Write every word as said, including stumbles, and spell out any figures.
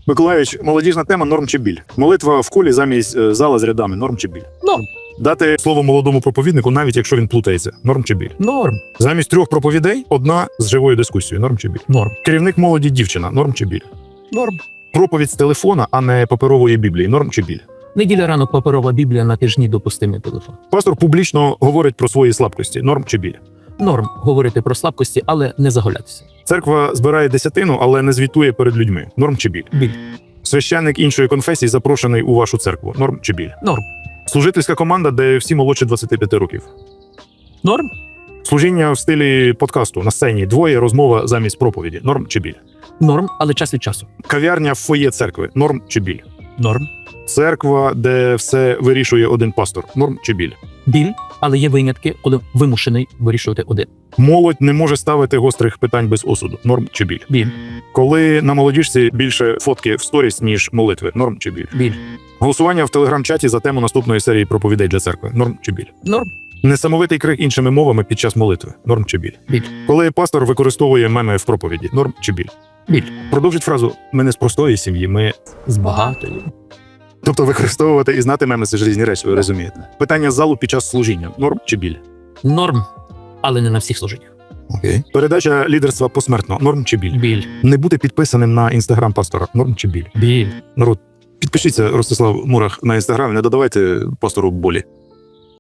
Миколаївич, молодіжна тема норм чи біль? Молитва в колі замість е, зала з рядами норм чи біль? Норм. Дати слово молодому проповіднику, навіть якщо він плутається, норм чи біль? Норм. Замість трьох проповідей одна з живою дискусією, норм чи біль? Норм. Керівник молоді дівчина, норм чи біль? Норм. Проповідь з телефона, а не паперової біблії, норм чи біль? Неділя ранок паперова біблія, на тижні допустимий телефон. Пастор публічно говорить про свої слабкості, норм чи біль? Норм говорити про слабкості, але не заголятися. Церква збирає десятину, але не звітує перед людьми, норм чи біль? Біль. Священник іншої конфесії запрошений у вашу церкву, норм чи біль? Норм. Служительська команда, де всі молодші двадцяти п'яти років. Норм. Служіння в стилі подкасту на сцені, двоє, розмова замість проповіді, норм чи біль? Норм, але час від часу. Кав'ярня в фоє церкви, норм чи біль? Норм. Церква, де все вирішує один пастор, норм чи біль? Біль, але є винятки, коли вимушений вирішувати один. Молодь не може ставити гострих питань без осуду, норм чи біль? Біль. Коли на молодіжці більше фотки в сторіс, ніж молитви, норм чи біль? Біль. Голосування в телеграм-чаті за тему наступної серії проповідей для церкви, норм чи біль? Норм. Несамовитий крик іншими мовами під час молитви, норм чи біль? Біль. Коли пастор використовує меми в проповіді, норм чи біль? Біль. Продовжіть фразу «ми не з простої сім'ї, ми…» З багатої. Тобто використовувати і знати меми – це ж різні речі, ви розумієте. Питання з залу під час служіння, норм чи біль? Норм, але не на всіх служіннях. Окей. Передача лідерства посмертно, норм чи біль? Біль. Не бути підписаним на інстаграм пастора, норм чи біль? Біль. Народ, підпишіться, Ростислав Мурах, на інстаграм, не додавайте пастору болі.